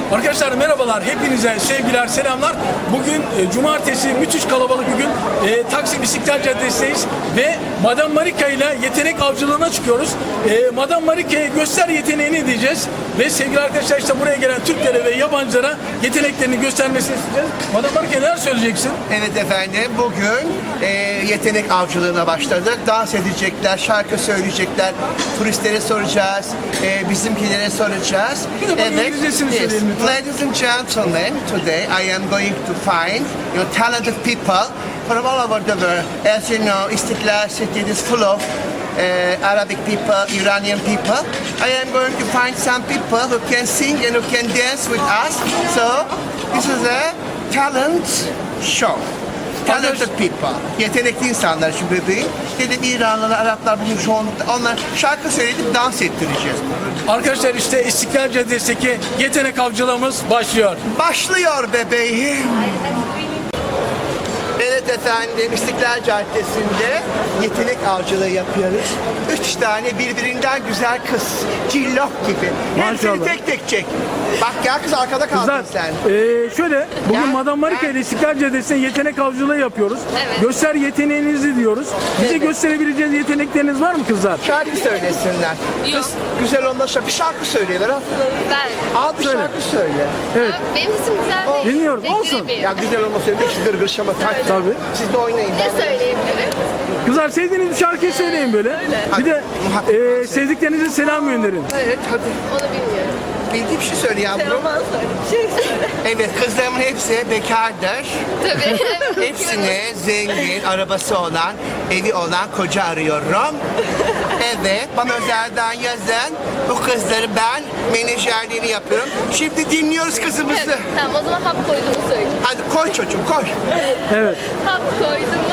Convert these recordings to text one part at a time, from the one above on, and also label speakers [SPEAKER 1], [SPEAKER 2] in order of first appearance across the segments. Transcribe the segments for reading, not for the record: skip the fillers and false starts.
[SPEAKER 1] Arkadaşlar merhabalar, hepinize sevgiler, selamlar. Bugün cumartesi, müthiş kalabalık bir gün. Taksim İstiklal Caddesi'ndeyiz ve Madame Marika ile yetenek avcılığına çıkıyoruz. Madame Marika'ya göster yeteneğini diyeceğiz ve sevgili arkadaşlar işte buraya gelen Türklere ve yabancılara yeteneklerini göstermesini isteyeceğiz. Madame Marika neler söyleyeceksin?
[SPEAKER 2] Evet efendim, bugün yetenek avcılığına başladık. Dans edecekler, şarkı söyleyecekler, turistlere soracağız, bizimkilere soracağız.
[SPEAKER 1] Bir de bunun İngilizcesini söyleyelim lütfen.
[SPEAKER 2] Ladies and gentlemen, today I am going to find talented people from all over the world. As you know, Istiklal City is full of Arabic people, Iranian people. I am going to find some people who can sing and who can dance with us. So this is a talent show. Talented people. Yetenekli insanlar şu bebeğin. Dedim İranlılar, Araplar bugün çoğunlukla onlar şarkı söyledip dans ettireceğiz.
[SPEAKER 1] Arkadaşlar işte İstiklal Caddesi'ndeki yetenek avcılığımız başlıyor.
[SPEAKER 2] Başlıyor bebeğim. Evet efendim, İstiklal Caddesi'nde yetenek avcılığı yapıyoruz. 3 tane birbirinden güzel kız, cillok gibi. Hepsini
[SPEAKER 1] Maşallah.
[SPEAKER 2] tek tek çek. Bak ya kız arkada kaldın
[SPEAKER 1] Kızlar,
[SPEAKER 2] sen.
[SPEAKER 1] şöyle bugün
[SPEAKER 2] Ya.
[SPEAKER 1] Madame Marika ile İstiklal Caddesi'nde yetenek avcılığı yapıyoruz.
[SPEAKER 3] Evet.
[SPEAKER 1] Göster yeteneğinizi diyoruz. Bize gösterebileceğiniz yetenekleriniz var mı kızlar?
[SPEAKER 2] Şarkı söylesinler.
[SPEAKER 3] Yok.
[SPEAKER 2] Kız güzel olmazsa bir şarkı söyleyelim. Ha?
[SPEAKER 3] Ben.
[SPEAKER 2] Al bir
[SPEAKER 1] Söyle.
[SPEAKER 2] şarkı söyle.
[SPEAKER 1] Evet.
[SPEAKER 3] Benim sesim güzel değil.
[SPEAKER 1] Dinliyorum,
[SPEAKER 3] Bekle
[SPEAKER 1] olsun.
[SPEAKER 3] bir.
[SPEAKER 2] Ya güzel olmasa bir şu gırgır şamata.
[SPEAKER 1] Tabii.
[SPEAKER 2] Siz de oynayın.
[SPEAKER 3] Ne söyleyebilirim?
[SPEAKER 1] Kızlar sevdiğiniz bir şarkıyı söyleyin böyle. Bir de sevdiklerinize selam gönderin.
[SPEAKER 2] Evet hadi.
[SPEAKER 3] Onu bilmiyorum.
[SPEAKER 2] Bildiğim bir şey söyle yavrum.
[SPEAKER 3] Roman söyle. Bir şey söyle.
[SPEAKER 2] Evet kızlarımın hepsi bekardır.
[SPEAKER 3] Tabii.
[SPEAKER 2] Hepsine zengin, arabası olan, evi olan koca arıyorum. Evet, bana özelden yazın. Bu kızları ben menajerliğini yapıyorum. Şimdi dinliyoruz kızımızı.
[SPEAKER 3] Tamam, o zaman hap koyduğumu söyle.
[SPEAKER 2] Hadi koy çocuğum, koy.
[SPEAKER 1] Evet.
[SPEAKER 3] Hap koydum,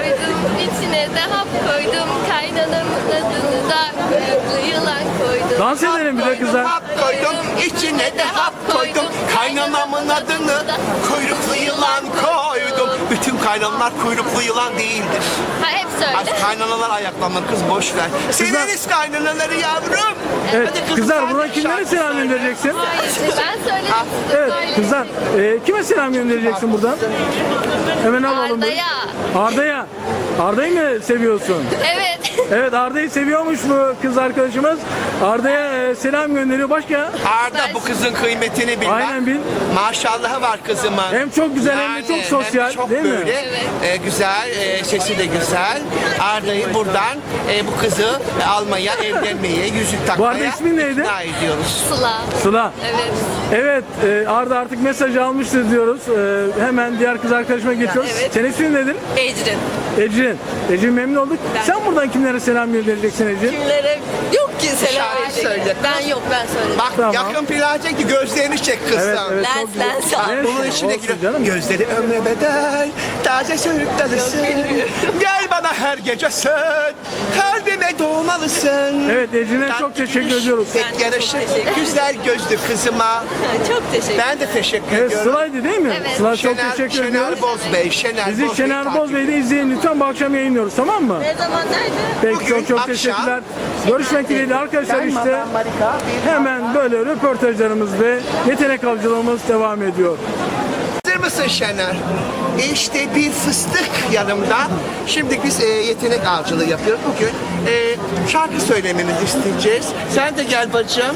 [SPEAKER 3] içine de hap koydum. Kaynanamın adını da kuyruklu yılan koydum.
[SPEAKER 1] Dans edelim bir de kızlar.
[SPEAKER 2] Hap koydum, içine de hap koydum. Kaynanamın adını kuyruklu yılan koydum. Bütün kaynanalar kuyruklu yılan değildir.
[SPEAKER 3] Ha, hep söyle.
[SPEAKER 2] Az kaynanalar ayaklanma kız boş ver. Severiz kaynanaları yavrum.
[SPEAKER 1] Evet.
[SPEAKER 2] Hadi kızım,
[SPEAKER 1] Kızlar
[SPEAKER 2] sen
[SPEAKER 1] buradan
[SPEAKER 2] de
[SPEAKER 1] kimlere
[SPEAKER 2] şarkı
[SPEAKER 1] selam
[SPEAKER 2] söyle.
[SPEAKER 1] göndereceksin?
[SPEAKER 3] Ben söyledim. siz de
[SPEAKER 1] Evet
[SPEAKER 3] söyleyin.
[SPEAKER 1] kızlar kime selam göndereceksin buradan? Hemen alalım.
[SPEAKER 3] Arda'ya.
[SPEAKER 1] Arda'ya. Arda'yı mı seviyorsun?
[SPEAKER 3] Evet.
[SPEAKER 1] Evet Arda'yı seviyormuş bu kız arkadaşımız. Arda'ya selam gönderiyor. Başka?
[SPEAKER 2] Arda bu kızın kıymetini bil. bak.
[SPEAKER 1] Aynen bil.
[SPEAKER 2] Maşallahı var kızımın.
[SPEAKER 1] Hem çok güzel hem de çok sosyal,
[SPEAKER 2] hem de çok
[SPEAKER 1] değil mi?
[SPEAKER 2] böyle, güzel, sesi de güzel. Arda'yı buradan bu kızı almaya, evlenmeye, yüzük takmaya
[SPEAKER 1] arada ismin neydi?
[SPEAKER 2] ikna ediyoruz.
[SPEAKER 3] Sıla.
[SPEAKER 1] Sıla.
[SPEAKER 3] Evet.
[SPEAKER 1] Evet Arda artık mesajı almıştır diyoruz. Hemen diğer kız arkadaşıma geçiyoruz.
[SPEAKER 3] evet.
[SPEAKER 1] Senin ismin nedir?
[SPEAKER 3] Ecrin.
[SPEAKER 1] Ecrin. Ecrin memnun olduk. Sen buradan kimlere selam göndereceksin Ecrin?
[SPEAKER 3] Kimlere yok ki selam
[SPEAKER 2] Şarkı
[SPEAKER 3] verecek.
[SPEAKER 2] söyle.
[SPEAKER 3] Ben yok, ben söyledim.
[SPEAKER 2] Bak
[SPEAKER 1] Tamam.
[SPEAKER 2] yakın plan çek ki gözlerini çek kızım.
[SPEAKER 1] Evet, evet.
[SPEAKER 3] Lens,
[SPEAKER 1] çok güzel.
[SPEAKER 3] lens al.
[SPEAKER 1] Neyse,
[SPEAKER 2] Bunun içine
[SPEAKER 1] olsun
[SPEAKER 2] giriyor.
[SPEAKER 1] canım.
[SPEAKER 2] Gözleri ömre bedel, taze sürük dalısın. Gel bana her gece sen, kalbime doğmalısın.
[SPEAKER 1] Evet Ecrin'e çok teşekkür ediyoruz.
[SPEAKER 2] Pek yaraşır, güzel gözlü kızıma.
[SPEAKER 3] Çok teşekkür ederim.
[SPEAKER 2] Ben de teşekkür
[SPEAKER 1] Evet
[SPEAKER 2] ediyorum.
[SPEAKER 1] Sıla'ydı değil mi?
[SPEAKER 3] Evet.
[SPEAKER 1] Sıla çok teşekkür ediyoruz.
[SPEAKER 2] Şener Bozbey, Şener
[SPEAKER 1] Bizi
[SPEAKER 2] Bozbey
[SPEAKER 1] Şener
[SPEAKER 2] takip
[SPEAKER 1] Bozbey'de izleyin lütfen, bu akşam yayınlıyoruz, tamam mı?
[SPEAKER 3] Ne zaman, nerede?
[SPEAKER 1] Peki
[SPEAKER 2] Bugün
[SPEAKER 1] çok
[SPEAKER 2] akşam-
[SPEAKER 1] teşekkürler. Görüşmek dileğiyle arkadaşlar, işte
[SPEAKER 2] Madame Marika, bir
[SPEAKER 1] hemen böyle röportajlarımız ve yetenek avcılığımız devam ediyor.
[SPEAKER 2] Hazır mısın Şener? İşte bir fıstık yanımda. Şimdi biz yetenek avcılığı yapıyoruz. Bugün şarkı söylememizi isteyeceğiz. Sen de gel bacım.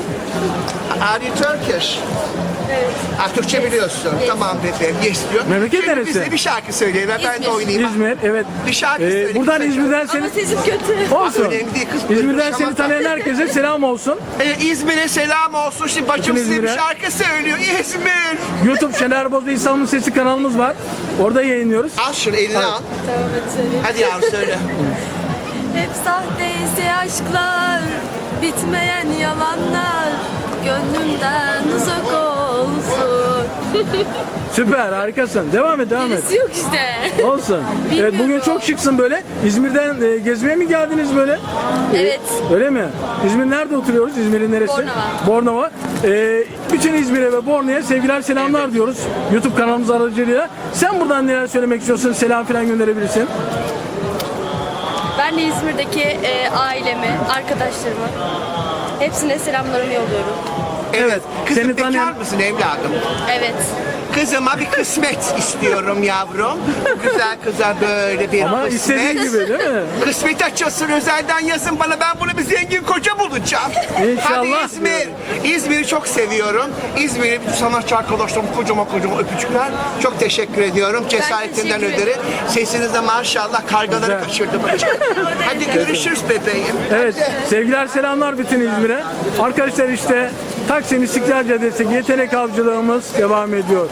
[SPEAKER 2] Are you Turkish? Evet. Türkçe biliyorsun. Tamam bebeğim. Yes diyor.
[SPEAKER 1] Memleket
[SPEAKER 2] Şimdi
[SPEAKER 1] neresi?
[SPEAKER 2] bize bir şarkı söyleyin. Ben de
[SPEAKER 3] İzmir.
[SPEAKER 2] oynayayım.
[SPEAKER 1] İzmir, evet.
[SPEAKER 2] Bir şarkı söyle
[SPEAKER 1] Buradan
[SPEAKER 2] kısaca.
[SPEAKER 1] İzmir'den seni...
[SPEAKER 3] sesim kötü.
[SPEAKER 1] Olsun.
[SPEAKER 2] Önemli değil kız.
[SPEAKER 1] İzmir'den seni
[SPEAKER 2] Şamata.
[SPEAKER 1] tanıyan herkese selam olsun.
[SPEAKER 2] İzmir'e selam olsun. Şimdi bacım
[SPEAKER 1] Bütün
[SPEAKER 2] size bir
[SPEAKER 1] İzmir'e.
[SPEAKER 2] şarkı söylüyor. İzmir.
[SPEAKER 1] YouTube Şener Boz ve İstanbul Sesi kanalımız var. Orada yayınlıyoruz.
[SPEAKER 2] Al şunu eline al.
[SPEAKER 3] Tamam, hadi söyleyeyim.
[SPEAKER 2] Hadi yavrum söyle.
[SPEAKER 3] Hep sahteyse aşklar, bitmeyen yalanlar, gönlümden uzak olsun.
[SPEAKER 1] Süper, harikasın. Devam et, devam et.
[SPEAKER 3] Birisi yok işte.
[SPEAKER 1] Olsun. Evet, bugün çok şıksın böyle. İzmir'den gezmeye mi geldiniz böyle?
[SPEAKER 3] Evet.
[SPEAKER 1] Öyle mi? İzmir nerede oturuyoruz? İzmir'in neresi?
[SPEAKER 3] Bornova.
[SPEAKER 1] Bornova. Bütün İzmir'e ve Bornova'ya sevgiler, selamlar diyoruz. YouTube kanalımız aracılığıyla. Sen buradan neler söylemek istiyorsun? Selam falan gönderebilirsin.
[SPEAKER 4] Ben de İzmir'deki ailemi, arkadaşlarımı hepsine selamlarımı yolluyorum.
[SPEAKER 1] Evet.
[SPEAKER 2] Kızım
[SPEAKER 1] Seni
[SPEAKER 2] bekar
[SPEAKER 1] tanıyan
[SPEAKER 2] mısın evladım?
[SPEAKER 3] Evet.
[SPEAKER 2] Kızıma bir kısmet istiyorum yavrum. Güzel kıza böyle bir
[SPEAKER 1] ama istediğin
[SPEAKER 2] kısmet.
[SPEAKER 1] gibi değil mi?
[SPEAKER 2] Kısmet açılsın, özelden yazın bana, ben bunu bir zengin koca bulacağım.
[SPEAKER 1] İnşallah.
[SPEAKER 2] Hadi İzmir. İzmir'i çok seviyorum. İzmir'e bütün sanatçı arkadaşlarım kocaman öpücükler. Çok teşekkür ediyorum cesaretinden
[SPEAKER 3] teşekkür
[SPEAKER 2] ötürü. Sesiniz de maşallah kargaları
[SPEAKER 1] Güzel.
[SPEAKER 2] kaçırdı. Hadi görüşürüz bebeğim.
[SPEAKER 1] Evet, sevgiler selamlar bütün İzmir'e. Arkadaşlar işte Taksim İstiklal Caddesi yetenek avcılığımız devam ediyor.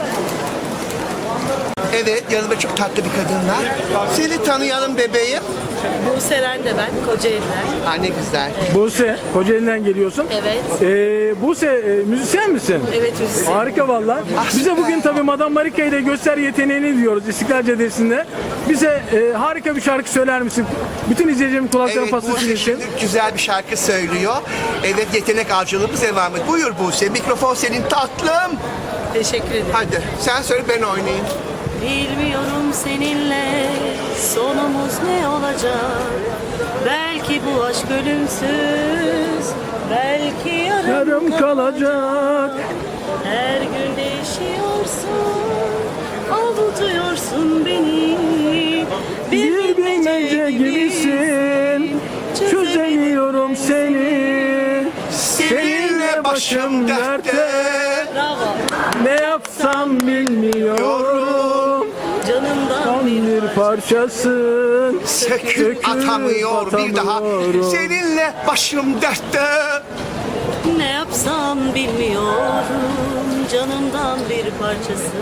[SPEAKER 2] Evet, yanımda çok tatlı bir kadın var. Seni tanıyalım bebeğim.
[SPEAKER 4] Buse'den de ben, Kocaeli'den.
[SPEAKER 2] Ha ne güzel.
[SPEAKER 1] Buse, Kocaeli'den geliyorsun.
[SPEAKER 4] Evet.
[SPEAKER 1] Buse, müzisyen misin?
[SPEAKER 4] Evet, müzisyen.
[SPEAKER 1] Harika valla. Bize bugün tabii Madame Marika ile göster yeteneğini diyoruz İstiklal Caddesi'nde. Bize harika bir şarkı söyler misin? Bütün izleyicilerin kulaklarını
[SPEAKER 2] Evet,
[SPEAKER 1] paslasın
[SPEAKER 2] Buse
[SPEAKER 1] için.
[SPEAKER 2] şimdi güzel bir şarkı söylüyor. Evet, yetenek avcılığımız devam ediyor. Buyur Buse, mikrofon senin tatlım.
[SPEAKER 4] Teşekkür ederim.
[SPEAKER 2] Hadi sen söyle, ben oynayayım.
[SPEAKER 4] Bilmiyorum seninle sonumuz ne olacak. Belki bu aşk ölümsüz, belki
[SPEAKER 1] Yarım kalacak.
[SPEAKER 4] Her gün değişiyorsun, avutuyorsun beni.
[SPEAKER 1] Bir bilmece gibisin. Çözemiyorum seni. Seninle başım dertte.
[SPEAKER 4] Bravo.
[SPEAKER 1] Ne yapsam bilmiyorum.
[SPEAKER 4] Canımdan
[SPEAKER 1] Tam bir parçasın.
[SPEAKER 2] Söküp atamıyor bir daha.
[SPEAKER 1] atamıyorum.
[SPEAKER 2] Seninle başım dertte.
[SPEAKER 4] ne yapsam bilmiyorum. Canımdan bir parçası.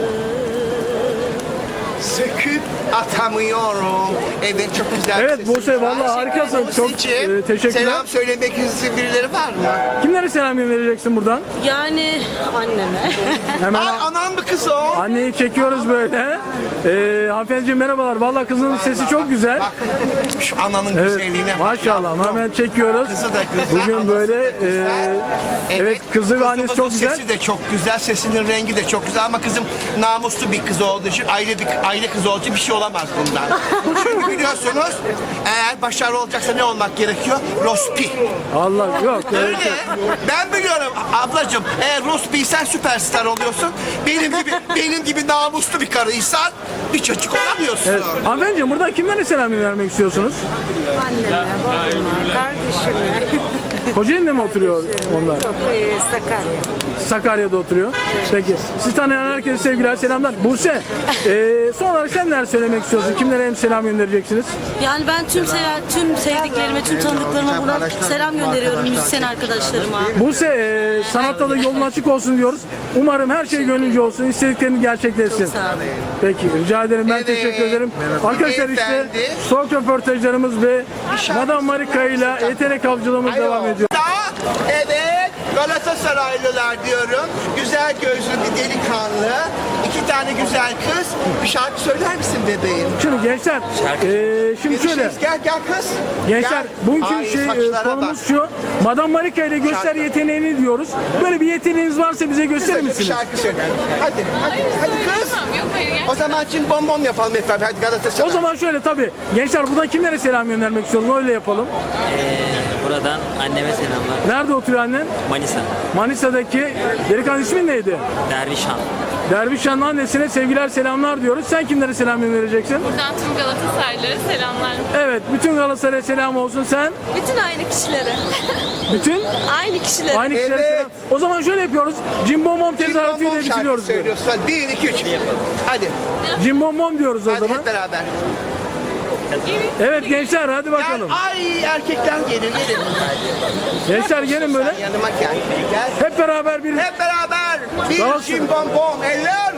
[SPEAKER 2] Söküp atamıyorum. Evet, çok güzel.
[SPEAKER 1] Evet,
[SPEAKER 2] sesin
[SPEAKER 1] Buse,
[SPEAKER 2] var.
[SPEAKER 1] vallahi harikasın. Çok,
[SPEAKER 2] Buse'ciğim,
[SPEAKER 1] teşekkürler.
[SPEAKER 2] Selam söylemek istediğin birileri var mı?
[SPEAKER 1] Kimlere selam vereceksin buradan?
[SPEAKER 4] Yani anneme.
[SPEAKER 1] Hemen
[SPEAKER 2] Aa, anan mı kız o?
[SPEAKER 1] anneyi çekiyoruz böyle. Hanımefendiciğim merhabalar. Vallahi kızının sesi çok güzel.
[SPEAKER 2] Bak şu ananın
[SPEAKER 1] Evet,
[SPEAKER 2] güzelliğine bak.
[SPEAKER 1] maşallah.
[SPEAKER 2] yavrum.
[SPEAKER 1] Hemen çekiyoruz.
[SPEAKER 2] Kızı da güzel.
[SPEAKER 1] Bugün
[SPEAKER 2] anası
[SPEAKER 1] böyle
[SPEAKER 2] da güzel.
[SPEAKER 1] evet, kızı ve annesi
[SPEAKER 2] kızımızın
[SPEAKER 1] çok güzel.
[SPEAKER 2] Sesi de çok güzel, sesinin rengi de çok güzel ama kızım namuslu bir kız olduğu için, aile kızı olduğu için bir şey olamaz bundan. Çünkü biliyorsunuz eğer başarılı olacaksa ne olmak gerekiyor? Rospi.
[SPEAKER 1] Allah yok.
[SPEAKER 2] Öyle. Ben biliyorum ablacığım, eğer Rospi'ysen süperstar oluyorsun. Benim gibi namuslu bir karıysan bir çocuk olamıyorsun.
[SPEAKER 1] Evet. Hanımefendiciğim buradan kimlere selam vermek istiyorsunuz?
[SPEAKER 5] Anneme, babama, kardeşime,
[SPEAKER 1] Kocaeli'nde mi oturuyor onlar?
[SPEAKER 5] Sakarya.
[SPEAKER 1] Sakarya'da oturuyor. Peki. Siz tanıyan herkese sevgiler, selamlar. Buse, son olarak sen neler söylemek istiyorsun? Kimlere hem selam göndereceksiniz?
[SPEAKER 4] Yani ben tüm sevdiklerime, tüm tanıdıklarıma buradan selam gönderiyorum müzisyen arkadaşlarıma.
[SPEAKER 1] Buse, sanatta da yolun açık olsun diyoruz. Umarım her şey gönlünce olsun, istediklerini gerçekleşsin.
[SPEAKER 4] Çok sağ olun.
[SPEAKER 1] Peki, rica ederim. Ben
[SPEAKER 2] Evet.
[SPEAKER 1] teşekkür ederim. Arkadaşlar işte
[SPEAKER 2] Beyefendi.
[SPEAKER 1] stok röportajlarımız ve Madame Marika ile yetenek avcılığımız devam ediyor.
[SPEAKER 2] Evet, Galatasaraylılar diyorum. Güzel gözlü bir delikanlı. 2 tane güzel kız. Bir şarkı söyler misin bebeğim?
[SPEAKER 1] Şimdi gençler, şimdi şöyle.
[SPEAKER 2] Gel kız.
[SPEAKER 1] Gençler,
[SPEAKER 2] Gel.
[SPEAKER 1] bugünkü
[SPEAKER 2] Ay, saçlara
[SPEAKER 1] konumuz
[SPEAKER 2] bak.
[SPEAKER 1] şu. Madame Marika ile göster
[SPEAKER 2] Şarkı.
[SPEAKER 1] yeteneğini diyoruz. Böyle bir yeteneğiniz varsa bize gösterir
[SPEAKER 2] Kısaca bir
[SPEAKER 1] misiniz?
[SPEAKER 2] şarkı söyle. Hadi kız.
[SPEAKER 3] Yok hayır
[SPEAKER 2] O zaman cim bom bom yapalım efendim. Hadi Galatasaray.
[SPEAKER 1] O zaman şöyle tabii. Gençler buradan kimlere selam göndermek istiyoruz? Öyle yapalım.
[SPEAKER 6] Buradan anneme selamlar.
[SPEAKER 1] Nerede oturuyor annen?
[SPEAKER 6] Manisa,
[SPEAKER 1] Manisa'daki delikanlı ismin neydi?
[SPEAKER 6] Dervişhan.
[SPEAKER 1] Dervişhan'ın annesine sevgiler selamlar diyoruz. Sen kimlere selam göndereceksin?
[SPEAKER 3] Buradan tüm Galatasaraylılara selamlar.
[SPEAKER 1] Evet, bütün Galatasaray'a selam olsun. Sen
[SPEAKER 4] Bütün aynı kişilere.
[SPEAKER 1] bütün
[SPEAKER 4] Aynı kişilere.
[SPEAKER 1] aynı kişilere
[SPEAKER 2] Evet.
[SPEAKER 1] selam. O zaman şöyle yapıyoruz. Cimbom
[SPEAKER 2] Cim bom
[SPEAKER 1] tezahüratıyla
[SPEAKER 2] bom şarkı
[SPEAKER 1] bitiriyoruz.
[SPEAKER 2] söylüyorsun. Hadi 1, 2, 3. Hadi.
[SPEAKER 1] Cimbom diyoruz o
[SPEAKER 2] Hadi
[SPEAKER 1] zaman.
[SPEAKER 2] hep beraber.
[SPEAKER 1] Evet gençler hadi
[SPEAKER 2] Gel.
[SPEAKER 1] bakalım.
[SPEAKER 2] Ay erkekler gelin.
[SPEAKER 1] Gençler gelin böyle.
[SPEAKER 2] Yanıma gel. Gel.
[SPEAKER 1] Hep beraber bir
[SPEAKER 2] Hep beraber. Bir
[SPEAKER 1] Dans.
[SPEAKER 2] cim bom bom. Eller.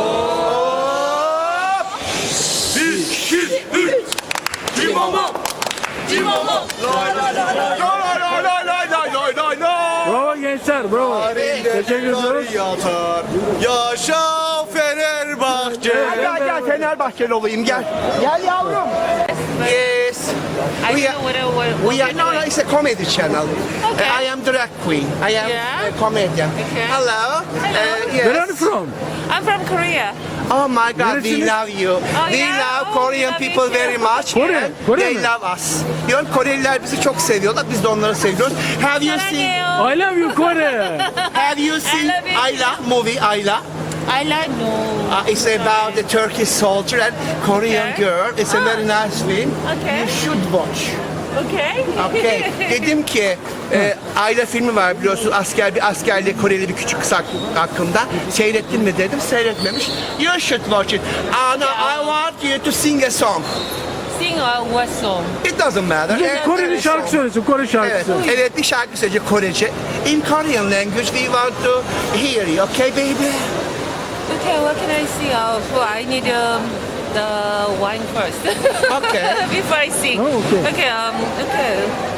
[SPEAKER 2] Hop. 1, 2, 3. Cim bom bom. Cim bom bom. Lay lay lay lay lay lay lay.
[SPEAKER 1] bravo gençler bravo. Teşekkür ediyoruz.
[SPEAKER 2] Yaşa Fenerbahçe. Gel Fenerbahçeli olayım gel. Gel yavrum. Yes. We are no, it's a comedy channel. I am drag queen. I am a comedian. Hello.
[SPEAKER 1] Where are
[SPEAKER 2] Yes.
[SPEAKER 1] you from?
[SPEAKER 7] I'm from Korea.
[SPEAKER 2] Oh my God, we
[SPEAKER 1] Neresiniz?
[SPEAKER 2] love you. We
[SPEAKER 5] yeah?
[SPEAKER 2] love
[SPEAKER 5] Oh,
[SPEAKER 2] Korean
[SPEAKER 5] we love
[SPEAKER 2] people
[SPEAKER 5] you
[SPEAKER 2] very
[SPEAKER 5] too.
[SPEAKER 2] much.
[SPEAKER 1] Kore,
[SPEAKER 2] and
[SPEAKER 1] Kore
[SPEAKER 2] they
[SPEAKER 1] mi?
[SPEAKER 2] love us. Diyorum Koreliler bizi çok seviyorlar. Biz de onları seviyoruz. Have you seen?
[SPEAKER 1] I love you Kore.
[SPEAKER 2] Have you seen
[SPEAKER 5] love you.
[SPEAKER 2] Ayla movie? Ayla.
[SPEAKER 5] I like no.
[SPEAKER 2] It's about the Turkish soldier and Korean
[SPEAKER 5] Okay.
[SPEAKER 2] girl. It's a very nice film.
[SPEAKER 5] Okay.
[SPEAKER 2] You should watch.
[SPEAKER 5] Okay.
[SPEAKER 2] Okay. Dedim ki Ayla filmi var biliyorsun bir askerle Koreli bir küçük kız hakkında. Seyrettin mi dedim. Seyretmemiş. You should watch it. Anna, I want you to sing a song.
[SPEAKER 5] Sing what song?
[SPEAKER 2] It doesn't matter.
[SPEAKER 1] Koreli şarkı söylesin, Kore
[SPEAKER 2] Evet,
[SPEAKER 1] şarkısı.
[SPEAKER 2] evet bir şarkı söyleyecek Korece. In Korean language we want to hear you. Okay baby?
[SPEAKER 5] Okay, what can I sing? I need the wine first.
[SPEAKER 2] Okay.
[SPEAKER 5] Before I sing.
[SPEAKER 1] Oh, okay.
[SPEAKER 5] Okay. Okay.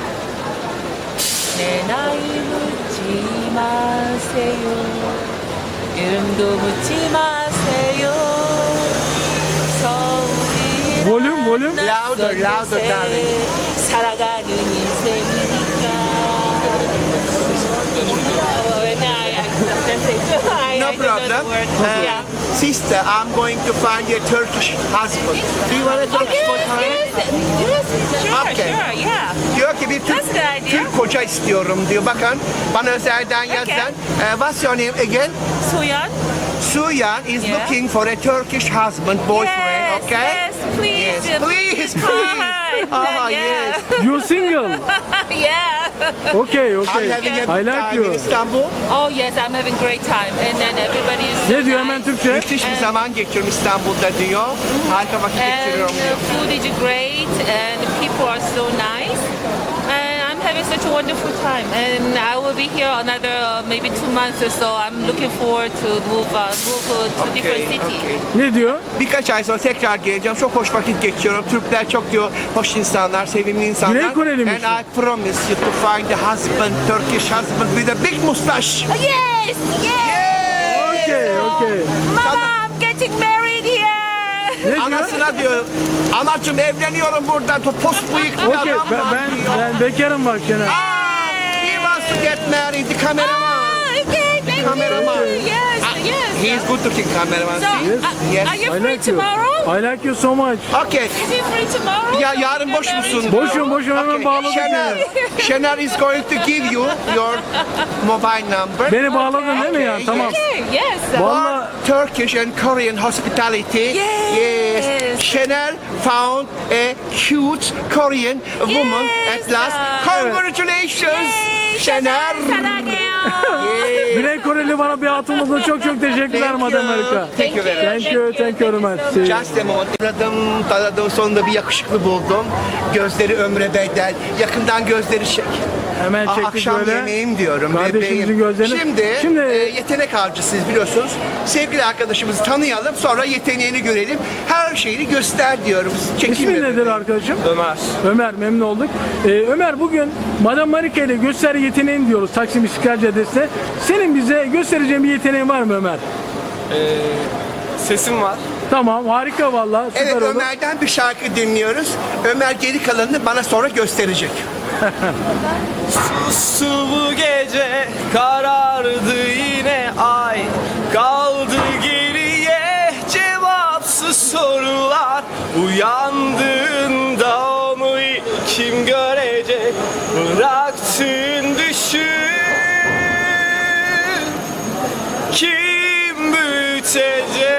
[SPEAKER 5] 내 나이 묻지 마세요. 이름도 묻지 마세요. 서울이란
[SPEAKER 1] Volüm.
[SPEAKER 2] Louder, louder, darling.
[SPEAKER 5] 살아가는 인생이니까.
[SPEAKER 2] No problem. Sister, I'm going to find you a Turkish husband. Do you want a Turkish boyfriend? Okay.
[SPEAKER 5] Sure, yeah.
[SPEAKER 2] Diyor ki bir Türk,
[SPEAKER 5] That's a good idea.
[SPEAKER 2] Türk koca istiyorum diyor. Bakın bana özelden yazan. What's your name again?
[SPEAKER 5] 소연?
[SPEAKER 2] Suyan is
[SPEAKER 5] Yeah.
[SPEAKER 2] looking for a Turkish husband, boyfriend,
[SPEAKER 5] Yes,
[SPEAKER 2] okay?
[SPEAKER 5] yes, please.
[SPEAKER 2] Yes, please, please. Oh,
[SPEAKER 5] Yeah.
[SPEAKER 2] yes.
[SPEAKER 1] You single.
[SPEAKER 5] Yeah.
[SPEAKER 1] Okay,
[SPEAKER 2] I'm
[SPEAKER 1] okay.
[SPEAKER 2] having a
[SPEAKER 1] I
[SPEAKER 2] good
[SPEAKER 1] like
[SPEAKER 2] time
[SPEAKER 1] you.
[SPEAKER 2] in Istanbul.
[SPEAKER 5] Oh yes, I'm having great time. And then everybody is so
[SPEAKER 1] Ne diyor hemen
[SPEAKER 5] nice.
[SPEAKER 1] Türkçe?
[SPEAKER 2] Müthiş bir zaman geçiriyorum İstanbul'da diyor. Harika vakit
[SPEAKER 5] And
[SPEAKER 2] geçiriyorum
[SPEAKER 5] the
[SPEAKER 2] diyor.
[SPEAKER 5] food is great and the people are so nice. And I'm having such a wonderful time. And I will be here another maybe 2 months or so. I'm looking forward to move to different city.
[SPEAKER 2] okay.
[SPEAKER 1] Ne diyor?
[SPEAKER 2] Birkaç ay sonra tekrar geleceğim. Çok hoş vakit geçiriyorum. Türkler çok diyor hoş insanlar, sevimli insanlar.
[SPEAKER 1] Güney Koreli misin?
[SPEAKER 2] And I promise you to find a husband, Turkish husband with a big mustache.
[SPEAKER 5] Yes, yes.
[SPEAKER 1] Okay, okay.
[SPEAKER 5] Mama, I'm getting married here.
[SPEAKER 1] Ne diyor?
[SPEAKER 2] Anasına diyor, anacığım evleniyorum buradan. Pos bıyık bir
[SPEAKER 1] Okay,
[SPEAKER 2] adam var diyor.
[SPEAKER 1] ben bekarım bak Şener.
[SPEAKER 2] He wants to get married. The cameraman.
[SPEAKER 5] Okay, thank you.
[SPEAKER 2] Cameraman.
[SPEAKER 5] Yes, yes.
[SPEAKER 2] He is good looking cameraman.
[SPEAKER 5] So,
[SPEAKER 2] See? Yes.
[SPEAKER 5] are you
[SPEAKER 1] I
[SPEAKER 5] free
[SPEAKER 1] like you.
[SPEAKER 5] tomorrow?
[SPEAKER 1] I like you so much.
[SPEAKER 2] Okay.
[SPEAKER 5] Is he free tomorrow?
[SPEAKER 2] Ya yarın boş musun?
[SPEAKER 1] Boşum hemen bağladık
[SPEAKER 2] Şener,
[SPEAKER 1] yani.
[SPEAKER 2] Şener is going to give you your mobile number.
[SPEAKER 1] Beni bağladın değil mi ya?
[SPEAKER 2] Okay,
[SPEAKER 1] Tamam.
[SPEAKER 5] Okay, yes.
[SPEAKER 1] Vallahi
[SPEAKER 2] Turkish and Korean hospitality.
[SPEAKER 5] Yes.
[SPEAKER 2] Şener found a cute Korean woman
[SPEAKER 5] Yes.
[SPEAKER 2] at last. Congratulations. Şener.
[SPEAKER 5] 사랑해요.
[SPEAKER 2] Yes.
[SPEAKER 1] Güney Koreli bana bir hatun buldu. Çok teşekkürler
[SPEAKER 2] Thank
[SPEAKER 1] Madam
[SPEAKER 2] you.
[SPEAKER 1] Amerika.
[SPEAKER 2] Thank you very much.
[SPEAKER 1] Thank you very much. See you.
[SPEAKER 2] Just a moment. Taradım, sonunda bir yakışıklı buldum. Gözleri ömre bedel. Yakından gözleri çek.
[SPEAKER 1] Hemen çektik
[SPEAKER 2] Akşam
[SPEAKER 1] böyle.
[SPEAKER 2] yemeğim diyorum.
[SPEAKER 1] Kardeşimizin
[SPEAKER 2] bebeğim.
[SPEAKER 1] gözlerini.
[SPEAKER 2] Şimdi yetenek avcısıyız biliyorsunuz. Sevgili arkadaşımızı tanıyalım, sonra yeteneğini görelim. Her şeyini göster diyoruz.
[SPEAKER 1] İsmin nedir arkadaşım?
[SPEAKER 2] Ömer.
[SPEAKER 1] Ömer, memnun olduk. Ömer, bugün Madam Marika ile göster yeteneğin diyoruz Taksim İstiklal Caddesi'nde. Senin bize göstereceğin bir yeteneğin var mı Ömer?
[SPEAKER 7] Sesim var.
[SPEAKER 1] Tamam, harika vallahi, süper
[SPEAKER 2] Evet,
[SPEAKER 1] oldu.
[SPEAKER 2] Ömer'den bir şarkı dinliyoruz. Ömer geri kalanını bana sonra gösterecek.
[SPEAKER 7] Sustu bu gece, karardı yine ay. Kaldı geriye cevapsız sorular. Uyandığında onu kim görecek? Bıraktın düşün. Kim büyütecek?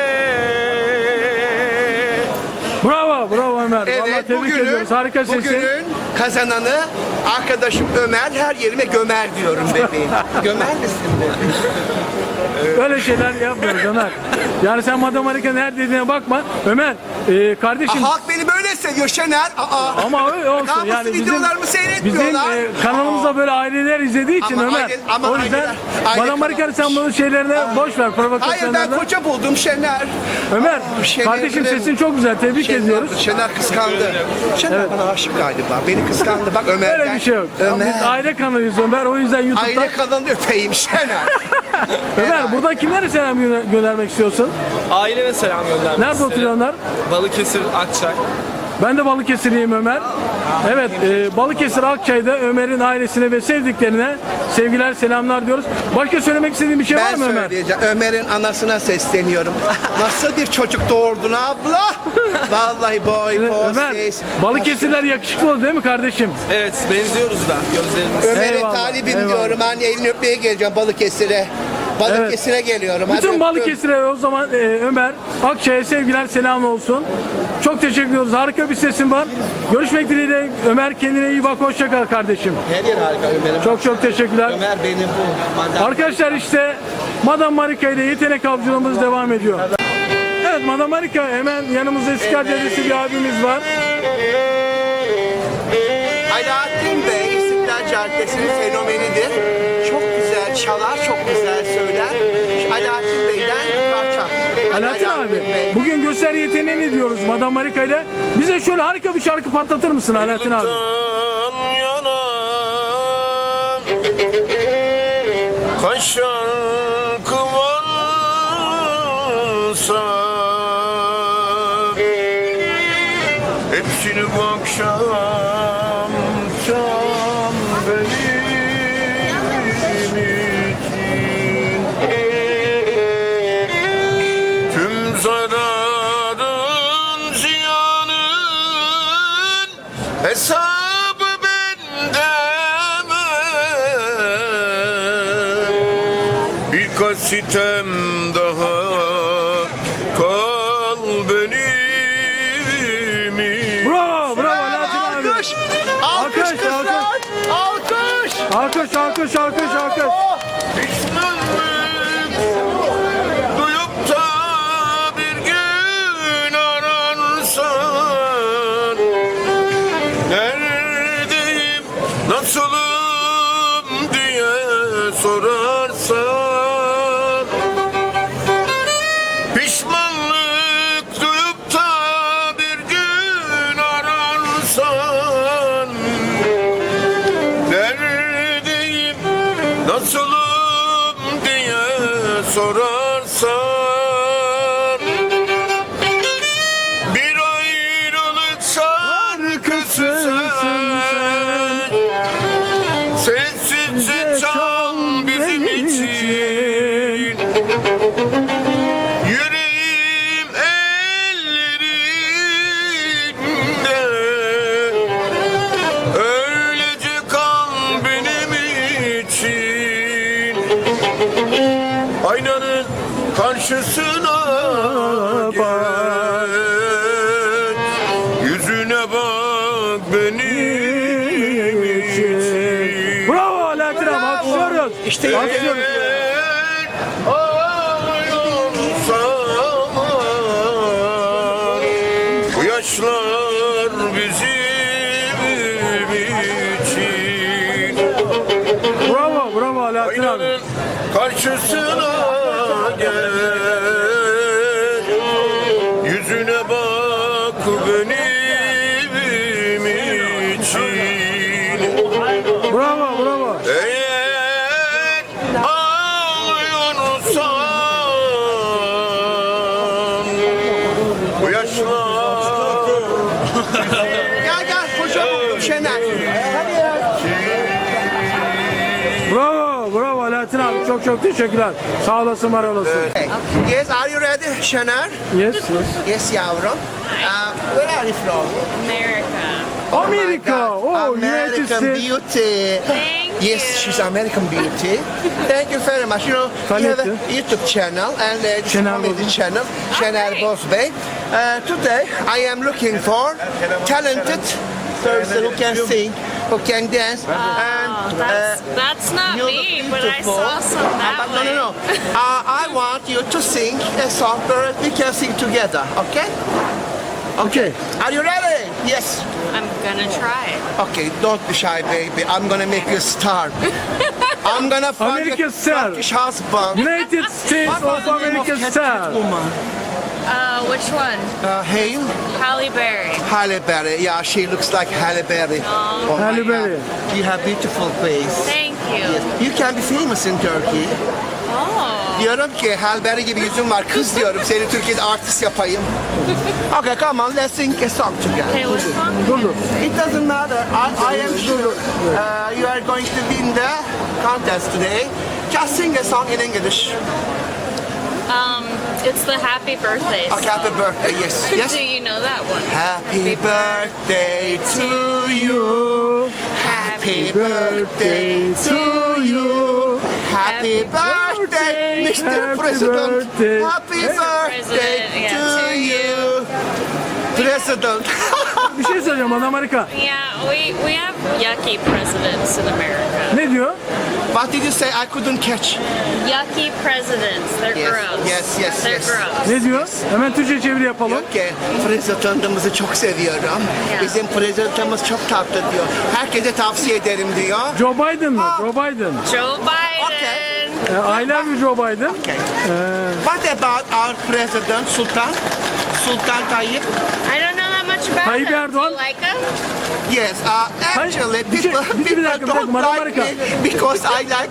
[SPEAKER 1] Bravo Ömer. Vallahi
[SPEAKER 2] Evet,
[SPEAKER 1] tebrik ediyoruz. Harika sesin.
[SPEAKER 2] bugünün kazananı arkadaşım Ömer. Her yerime gömer diyorum bebeğim. Gömer misin bebeğim?
[SPEAKER 1] Öyle şeyler yapmıyoruz Ömer. Yani sen Madam Marika'nın her dediğine bakma. Ömer, kardeşim.
[SPEAKER 2] Halk beni böyle seviyor Şener.
[SPEAKER 1] Ama öyle olsun.
[SPEAKER 2] Namuslu
[SPEAKER 1] Yani
[SPEAKER 2] videolarımı seyretmiyorlar.
[SPEAKER 1] Bizim kanalımızda böyle aileler izlediği için
[SPEAKER 2] Ama
[SPEAKER 1] Ömer.
[SPEAKER 2] aile- ama
[SPEAKER 1] o yüzden
[SPEAKER 2] aile
[SPEAKER 1] Madam Marika'nın sen bunun şeylerine boş ver,
[SPEAKER 2] Hayır, ben
[SPEAKER 1] provokasyonlarına.
[SPEAKER 2] koca buldum Şener.
[SPEAKER 1] Ömer,
[SPEAKER 2] Şener
[SPEAKER 1] kardeşim
[SPEAKER 2] benim-
[SPEAKER 1] sesin çok güzel. Tebrik ediyoruz.
[SPEAKER 2] Şener kıskandı. Şener bana aşık galiba. Beni kıskandı. Bak Ömer'den.
[SPEAKER 1] Öyle bir şey yok.
[SPEAKER 2] Ömer.
[SPEAKER 1] Biz aile kanalıyız Ömer. O yüzden YouTube'da.
[SPEAKER 2] Aile kanalı öpeyim Şener.
[SPEAKER 1] Ömer, burada kimlere selam göndermek istiyorsun?
[SPEAKER 7] Aileme selam göndermek
[SPEAKER 1] Nerede
[SPEAKER 7] isterim.
[SPEAKER 1] oturuyorlar?
[SPEAKER 7] Balıkesir, Akçay.
[SPEAKER 1] Ben de Balıkesirliyim Ömer. Evet, Balıkesir Akçay'da Ömer'in ailesine ve sevdiklerine sevgiler, selamlar diyoruz. Başka söylemek istediğin bir şey var
[SPEAKER 2] Ben
[SPEAKER 1] mı Ömer?
[SPEAKER 2] söyleyeceğim. Ömer'in anasına sesleniyorum. Nasıl bir çocuk doğurdun abla? Vallahi boy,
[SPEAKER 1] Ömer,
[SPEAKER 2] poses.
[SPEAKER 1] Balıkesirler yakışıklı oldu değil mi kardeşim?
[SPEAKER 7] Evet benziyoruz da gözlerimiz.
[SPEAKER 2] Ömer'e
[SPEAKER 1] Eyvallah,
[SPEAKER 2] talibim
[SPEAKER 1] eyvallah.
[SPEAKER 2] diyorum. Hani elini öpmeye geleceğim Balıkesir'e. Balıkesir'e geliyorum. Hadi
[SPEAKER 1] Bütün
[SPEAKER 2] öptüm.
[SPEAKER 1] Balıkesir'e o zaman Ömer Akçay'a sevgiler, selam olsun. Çok teşekkür ediyoruz. Harika bir sesin var. Görüşmek dileğiyle Ömer, kendine iyi bak. Hoşça kal kardeşim.
[SPEAKER 2] Her yer harika Ömer'im.
[SPEAKER 1] Çok teşekkürler.
[SPEAKER 2] Ömer benim bu. Madem-
[SPEAKER 1] Arkadaşlar işte Madame Marika ile yetenek avcılığımız devam ediyor. Evet, Madame Marika, hemen yanımızda İstiklal Caddesi bir abimiz var.
[SPEAKER 2] Alaaddin Bey İstiklal Caddesi'nin fenomenidir. Çok güzel çalar, çok güzel söyler. Alaaddin Bey'den bir parça.
[SPEAKER 1] Alaaddin abi, bugün gösteri yeteneğini diyoruz Madame Marika ile. Bize şöyle harika bir şarkı patlatır mısın Alaaddin abi?
[SPEAKER 7] Kaşan kıvansa hepsini bu akşam tam benim için tüm zararın ziyanın hesabı bende birkaç sitem daha kal benim için.
[SPEAKER 1] Bravo, bravo Alaaddin abi.
[SPEAKER 2] Alkış! Alkış kızlar! Alkış!
[SPEAKER 1] Alkış.
[SPEAKER 7] Pişmanlık duyup da bir gün ararsan neredeyim, nasılım diye sorarsan pişmanlık duyup da bir gün ararsan neredeyim, nasılım diye sorarsan bir ayrılık şarkısı sen sessizce çal bizim için. Yüreğim ellerinde öylece kal benim için. Aynanın karşısına geç, yüzüne bak benim için.
[SPEAKER 1] Bravo Alaaddin abi, alkışlıyoruz.
[SPEAKER 2] İşte
[SPEAKER 1] alkışlıyoruz.
[SPEAKER 7] Bu yaşlar bizim için.
[SPEAKER 1] Bravo Alaaddin abi.
[SPEAKER 7] Aynanın karşısına gel, yüzüne bak benim için.
[SPEAKER 1] Bravo.
[SPEAKER 7] Eğer ağlıyorsan bu yaşlar
[SPEAKER 2] Gel koca buldum Şener.
[SPEAKER 1] Bravo Alaaddin abi, çok teşekkürler. Sağ olasın, var olasın.
[SPEAKER 2] Yes, are you ready Şener?
[SPEAKER 1] Yes.
[SPEAKER 2] Yes yavrum. Where are you from?
[SPEAKER 1] Amerika. Oh, United
[SPEAKER 2] American
[SPEAKER 1] States.
[SPEAKER 2] beauty.
[SPEAKER 3] Thank
[SPEAKER 2] Yes, she's American beauty. Thank you very much. You know, you have a YouTube channel and this
[SPEAKER 1] Şener
[SPEAKER 2] comedy
[SPEAKER 1] Bozbey.
[SPEAKER 2] channel, Şener Bozbey. Today, I am looking for talented person who can sing, who can dance, and
[SPEAKER 3] That's not
[SPEAKER 2] you
[SPEAKER 3] me,
[SPEAKER 2] look
[SPEAKER 3] but I
[SPEAKER 2] beautiful.
[SPEAKER 3] saw some that
[SPEAKER 2] No.
[SPEAKER 3] way.
[SPEAKER 2] I want you to sing a song where we can sing together. Okay?
[SPEAKER 1] Okay.
[SPEAKER 2] Are you ready? Yes.
[SPEAKER 3] I'm gonna try it.
[SPEAKER 2] Okay, don't be shy, baby. I'm gonna make you a star. I'm gonna find
[SPEAKER 1] American
[SPEAKER 2] a
[SPEAKER 1] star.
[SPEAKER 2] Turkish husband.
[SPEAKER 1] United States
[SPEAKER 2] What was
[SPEAKER 1] of
[SPEAKER 2] the name
[SPEAKER 1] America
[SPEAKER 2] of
[SPEAKER 1] star.
[SPEAKER 2] woman?
[SPEAKER 3] Which one?
[SPEAKER 2] Hale?
[SPEAKER 3] Halle Berry.
[SPEAKER 2] Halle Berry. Yeah, she looks like Halle Berry. Oh my
[SPEAKER 1] Halle
[SPEAKER 2] God.
[SPEAKER 1] Berry.
[SPEAKER 2] You have beautiful face.
[SPEAKER 3] Thank you.
[SPEAKER 2] Yes. You can be famous in Turkey.
[SPEAKER 3] Oh.
[SPEAKER 2] Diyorum ki Halberry gibi yüzün var. Kız diyorum. Seni Türkiye'de artist yapayım. Okay, come on. Let's sing a song together.
[SPEAKER 5] Okay, what song?
[SPEAKER 2] It doesn't matter. I am sure you are going to win the contest today. Just sing a song in English.
[SPEAKER 3] It's the happy birthday
[SPEAKER 2] Okay, happy birthday. Yes. Yes.
[SPEAKER 3] Do you know that one?
[SPEAKER 2] Happy birthday to you. Happy birthday to you. Happy birthday, Mr. President. Happy birthday
[SPEAKER 3] yeah,
[SPEAKER 2] to
[SPEAKER 3] to
[SPEAKER 2] you. President.
[SPEAKER 1] Bir şey söyleyeceğim Madam Marika.
[SPEAKER 3] Yeah, we have yucky presidents in America.
[SPEAKER 1] Ne diyor?
[SPEAKER 2] What did you say? I couldn't catch.
[SPEAKER 3] Yucky presidents. They're
[SPEAKER 2] Yes,
[SPEAKER 3] gross.
[SPEAKER 2] yes, yes,
[SPEAKER 3] They're
[SPEAKER 2] yes.
[SPEAKER 3] gross.
[SPEAKER 1] Ne diyor? Hemen Türkçe çeviri yapalım.
[SPEAKER 2] Diyor ki prezidentimizi çok seviyorum. Bizim prezidentimiz çok tatlı diyor. Herkese tavsiye ederim diyor.
[SPEAKER 1] Joe Biden mı? Joe Biden.
[SPEAKER 3] Joe Biden.
[SPEAKER 1] I love you Joe Biden.
[SPEAKER 2] Okay. What about our president Sultan Tayyip?
[SPEAKER 3] I don't know that much about
[SPEAKER 1] Tayyip
[SPEAKER 3] him.
[SPEAKER 1] Erdoğan.
[SPEAKER 3] Do you like him?
[SPEAKER 2] Yes, actually
[SPEAKER 1] bir şey-
[SPEAKER 2] people,
[SPEAKER 1] bir dakika,
[SPEAKER 2] don't
[SPEAKER 1] Madam
[SPEAKER 2] like
[SPEAKER 1] Marika.
[SPEAKER 2] me because I like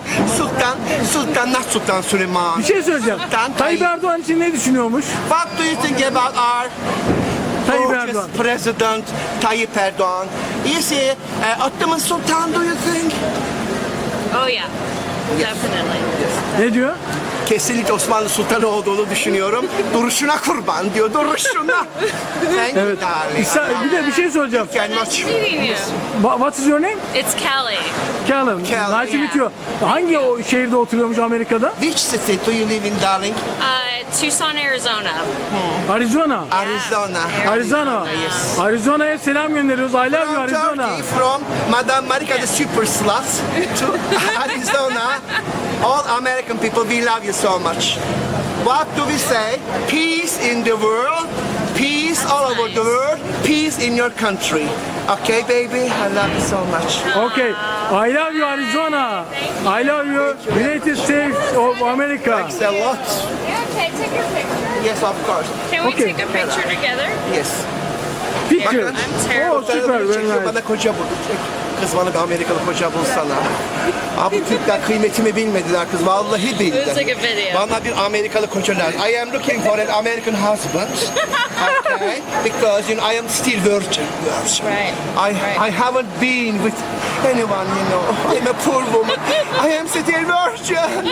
[SPEAKER 2] not Sultan Süleyman.
[SPEAKER 1] Bir şey söyleyeceğim.
[SPEAKER 2] Sultan
[SPEAKER 1] Tayyip Erdoğan için ne düşünüyormuş?
[SPEAKER 2] What do you think about our
[SPEAKER 1] Tayyip
[SPEAKER 2] gorgeous
[SPEAKER 1] Erdoğan.
[SPEAKER 2] President Tayyip Erdoğan? You see, Ottoman Sultan, do you think?
[SPEAKER 3] Oh yeah. Definitely.
[SPEAKER 1] Ne diyor?
[SPEAKER 2] Kesinlikle Osmanlı Sultanı olduğunu düşünüyorum. Duruşuna kurban diyor, duruşuna. Thank you,
[SPEAKER 1] Evet.
[SPEAKER 2] darling.
[SPEAKER 1] Bir de bir şey söyleyeceğim.
[SPEAKER 2] Can much.
[SPEAKER 3] Meeting you.
[SPEAKER 1] What is your name?
[SPEAKER 3] It's Kelly.
[SPEAKER 1] Callum. Nice to meet you. Hangi o şehirde oturuyormuş Amerika'da?
[SPEAKER 2] Which city do you live in, darling?
[SPEAKER 3] Tucson, Arizona.
[SPEAKER 1] Arizona.
[SPEAKER 2] Arizona.
[SPEAKER 1] Arizona.
[SPEAKER 2] Yes.
[SPEAKER 1] Arizona'ya selam gönderiyoruz. I love you
[SPEAKER 2] From
[SPEAKER 1] Arizona.
[SPEAKER 2] Turkey, from Madame Marika the super slut to Arizona. All American people, we love you so much. What do we say? Peace in the world, peace all over the world, peace in your country. Okay, baby, I love you so much.
[SPEAKER 1] Okay. I love you Arizona. I love you United States of America.
[SPEAKER 2] Thanks a lot.
[SPEAKER 3] Yeah, okay, take your picture.
[SPEAKER 2] Yes, of course.
[SPEAKER 3] Can we
[SPEAKER 1] Okay.
[SPEAKER 3] take a picture together?
[SPEAKER 2] Yes.
[SPEAKER 1] Picture.
[SPEAKER 3] I'm terrible.
[SPEAKER 1] Oh, süper. Very nice.
[SPEAKER 2] Bana koca bulacak. Kız bana bir Amerikalı koca bulsana. Abi Türkler kıymetimi bilmediler kız. Vallahi bildi.
[SPEAKER 3] Let's take a video.
[SPEAKER 2] Bana bir Amerikalı koca lazım. I am looking for an American husband. Okay? Because you know, I am still virgin.
[SPEAKER 3] Right.
[SPEAKER 2] I haven't been with anyone, you know. I'm a poor woman. I am still virgin.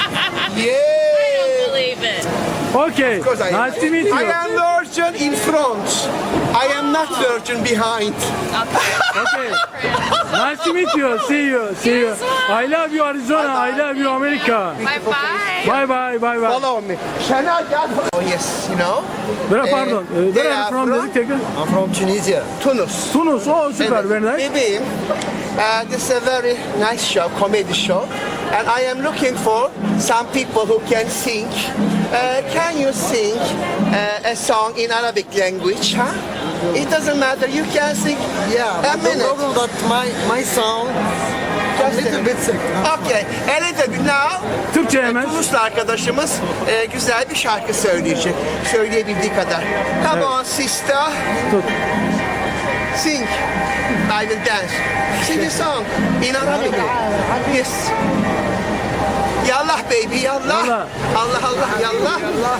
[SPEAKER 2] Yeah.
[SPEAKER 3] Believe it.
[SPEAKER 1] Okay.
[SPEAKER 2] Of course I am.
[SPEAKER 1] Nice to meet
[SPEAKER 2] I
[SPEAKER 1] you.
[SPEAKER 2] am virgin in front. I am not virgin behind.
[SPEAKER 1] Okay. Nice to meet you. See you. See you. I love you Arizona. I love you America.
[SPEAKER 3] Bye-bye.
[SPEAKER 1] Bye bye. Bye bye.
[SPEAKER 2] Follow me. Can I get? Oh yes, you know.
[SPEAKER 1] Pardon.
[SPEAKER 2] they
[SPEAKER 1] Where are
[SPEAKER 2] are
[SPEAKER 1] you from
[SPEAKER 2] from-
[SPEAKER 1] dedik tekrar?
[SPEAKER 2] I'm from Tunisia. Tunus.
[SPEAKER 1] Tunus. Oh süper. Very nice.
[SPEAKER 2] Bebeğim, this is a very nice show, comedy show. And I am looking for some people who can sing. Can you sing a song in Arabic language? Huh? It doesn't matter. You can sing a minute.
[SPEAKER 8] But my song
[SPEAKER 2] Just
[SPEAKER 8] a little bit sick.
[SPEAKER 2] Okay, a little bit now.
[SPEAKER 1] Türkçe hemen.
[SPEAKER 2] Tunuslu arkadaşımız güzel bir şarkı söyleyecek. Söyleyebildiği kadar. Come on sister.
[SPEAKER 1] Tut.
[SPEAKER 2] Sing. I will dance. Sing a song in Arabic. Yes. Yallah baby, yallah.
[SPEAKER 1] Yallah.
[SPEAKER 2] Allah Allah, yallah.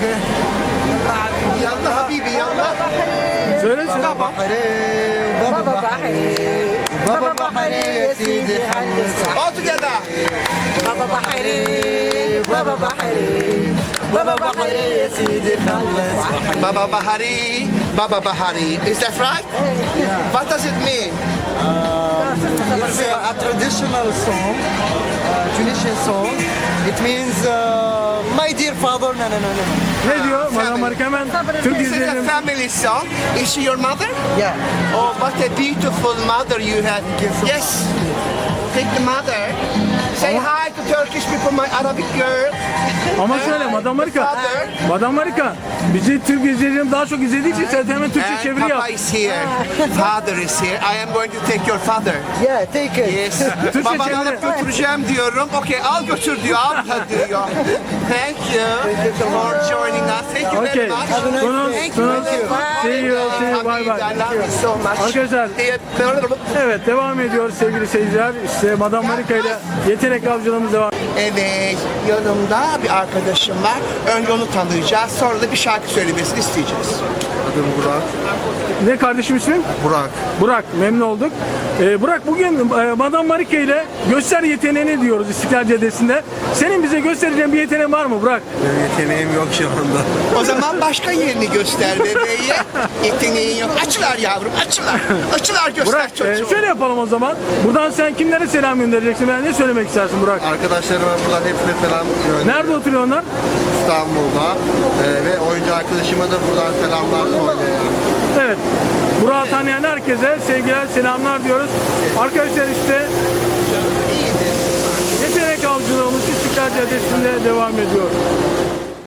[SPEAKER 2] Yallah habibi, yallah.
[SPEAKER 1] Söyle söyle.
[SPEAKER 8] بابا بحري بابا بحري يا سيدي حل الصح
[SPEAKER 2] All together.
[SPEAKER 8] بابا بحري بابا بحري بابا بحري يا سيدي حل الصح
[SPEAKER 2] Baba Bahari, Baba Bahari. Is that right? What does it mean?
[SPEAKER 8] It's a traditional song, Tunisian song. It means my dear father. No.
[SPEAKER 1] Ne diyor? Madam Marika hemen Türk
[SPEAKER 2] This is a
[SPEAKER 1] izleyelim.
[SPEAKER 2] family song. Is she your mother?
[SPEAKER 8] Yeah.
[SPEAKER 2] Oh, what a beautiful mother you have. Yes. Take the mother. Say hi to Turkish people, my Arabic girl.
[SPEAKER 1] Ama şöyle Madam Marika. Madam Marika. Bizi Türk izleyicilerim daha çok izlediği için sen hemen Türkçe
[SPEAKER 2] And
[SPEAKER 1] çeviri
[SPEAKER 2] Papa
[SPEAKER 1] yap.
[SPEAKER 2] is here. Father is here. I am going to take your father.
[SPEAKER 8] Yeah, take it.
[SPEAKER 2] Yes. Babanı alıp götüreceğim diyorum. Okay, al götür diyor. Al diyor. Thank you for joining us. Thank you
[SPEAKER 1] Okay.
[SPEAKER 2] very much.
[SPEAKER 1] Tunus. See you. See you. Bye
[SPEAKER 2] I
[SPEAKER 1] bye.
[SPEAKER 2] love you so much.
[SPEAKER 1] Arkadaşlar evet devam ediyor sevgili seyirciler. İşte Madam Marika ile yetenek avcılığımız devam.
[SPEAKER 2] Evet, yanımda bir arkadaşım var. Önce onu tanıyacağız, sonra da bir şarkı söylemesini isteyeceğiz.
[SPEAKER 9] Adım Burak.
[SPEAKER 1] Ne kardeşim ismin?
[SPEAKER 9] Burak.
[SPEAKER 1] Burak, memnun olduk. Burak, bugün Madame Marika ile göster yeteneğini diyoruz İstiklal Caddesi'nde. Senin bize göstereceğin bir yeteneğin var mı Burak?
[SPEAKER 9] Benim yeteneğim yok şu anda.
[SPEAKER 2] O zaman başka yerini göster bebeğe. Yeteneğin yok. Açılar yavrum, açılar. Açılar göster
[SPEAKER 1] Burak,
[SPEAKER 2] çocuğum.
[SPEAKER 1] şöyle yapalım o zaman. Buradan sen kimlere selam göndereceksin? Ben ne söylemek istersin Burak?
[SPEAKER 9] Arkadaşlarıma buradan hepsine selam gönderiyorum.
[SPEAKER 1] Nerede oturuyor onlar?
[SPEAKER 9] İstanbul'da. Ve oyuncu arkadaşıma da buradan selamlar söylüyorum.
[SPEAKER 1] Evet. Burak'ı tanıyan herkese sevgiler, selamlar diyoruz. Arkadaşlar işte yetenek avcılığımız İstiklal Caddesi'nde devam ediyor.